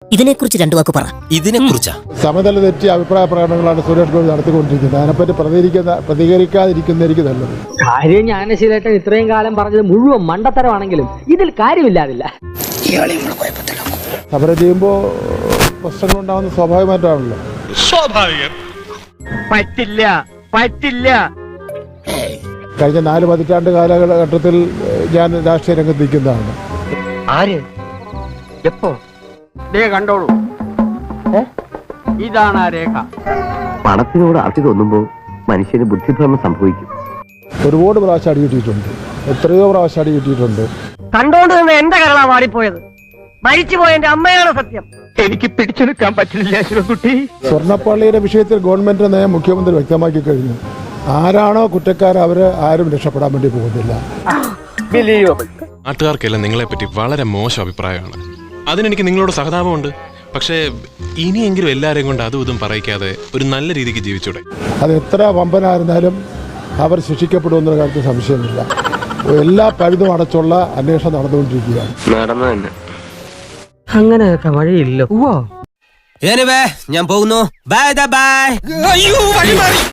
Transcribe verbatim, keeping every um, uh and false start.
ഇതിനെക്കുറിച്ച് രണ്ടു വാക്ക് പറ. ഇതിനെക്കുറിച്ചാ സമതല തെറ്റിയ അഭിപ്രായ പ്രകടനങ്ങളാണ് സുരേഷ് ഗോപി നടത്തിക്കൊണ്ടിരിക്കുന്നത്. അതിനെപ്പറ്റി പ്രതികരിക്കുന്ന പ്രതികരിക്കാതിരിക്കുന്നതായിരിക്കും നല്ലത്. കാര്യം ജ്ഞാനശീലേട്ടൻ ഇത്രയും കാലം പറഞ്ഞത് മുഴുവൻ മണ്ടത്തരമാണെങ്കിലും ഇതിൽ കാര്യമില്ലാതില്ല. സമരം ചെയ്യുമ്പോൾ പ്രശ്നങ്ങളുണ്ടാകുന്ന സ്വാഭാവികമായിട്ടാണല്ലോ. സ്വാഭാവികം. പറ്റില്ല പറ്റില്ല. കഴിഞ്ഞ നാല് പതിറ്റാണ്ട് കാലഘട്ടത്തിൽ ഞാൻ രാഷ്ട്രീയ രംഗത്ത് നിൽക്കുന്നതാണ്. ആര് എപ്പോ കണ്ടോളൂ, ഇതാണ് ആ രേഖ. പണത്തിനോട് അതി തോന്നുമ്പോൾ മനുഷ്യന് ബുദ്ധിഭ്രമം സംഭവിക്കും. ഒരുപാട് പ്രാവശ്യം അടി കിട്ടിയിട്ടുണ്ട്, എത്രയോ പ്രാവശ്യം അടി കിട്ടിയിട്ടുണ്ട്. കണ്ടോണ്ട് നിന്ന് എന്റെ കരളാ മാറിപ്പോയത്. മരിച്ചുപോയ എന്റെ അമ്മയാണ് സത്യം. എനിക്ക് പിടിച്ചെടുക്കാൻ പറ്റില്ല ശിവകുട്ടി. സ്വർണ്ണപ്പള്ളിയുടെ വിഷയത്തിൽ ഗവൺമെന്റിന്റെ നയം മുഖ്യമന്ത്രി വ്യക്തമാക്കി കഴിഞ്ഞു. ആരാണോ കുറ്റക്കാർ അവര് ആരും രക്ഷപ്പെടാൻ വേണ്ടി പോകുന്നില്ല. നാട്ടുകാർക്കെല്ലാം നിങ്ങളെപ്പറ്റി വളരെ മോശം അഭിപ്രായമാണ്. അതിനെനിക്ക് നിങ്ങളോട് സഹതാപമുണ്ട്. പക്ഷേ ഇനിയെങ്കിലും എല്ലാവരെയും കൊണ്ട് അതും ഇതും പറയിക്കാതെ ഒരു നല്ല രീതിക്ക് ജീവിച്ചൂടെ? അത് എത്ര വമ്പനായിരുന്നാലും അവർ ശിക്ഷിക്കപ്പെടുമെന്ന കാര്യത്തിൽ സംശയമില്ല. എല്ലാ പഴുതും അടച്ചുള്ള അന്വേഷണം നടന്നുകൊണ്ടിരിക്കുകയാണ്. നടന്നു തന്നെ അങ്ങനെയൊക്കെ വഴിയില്ലോ. ഞാൻ പോകുന്നു. Bye by.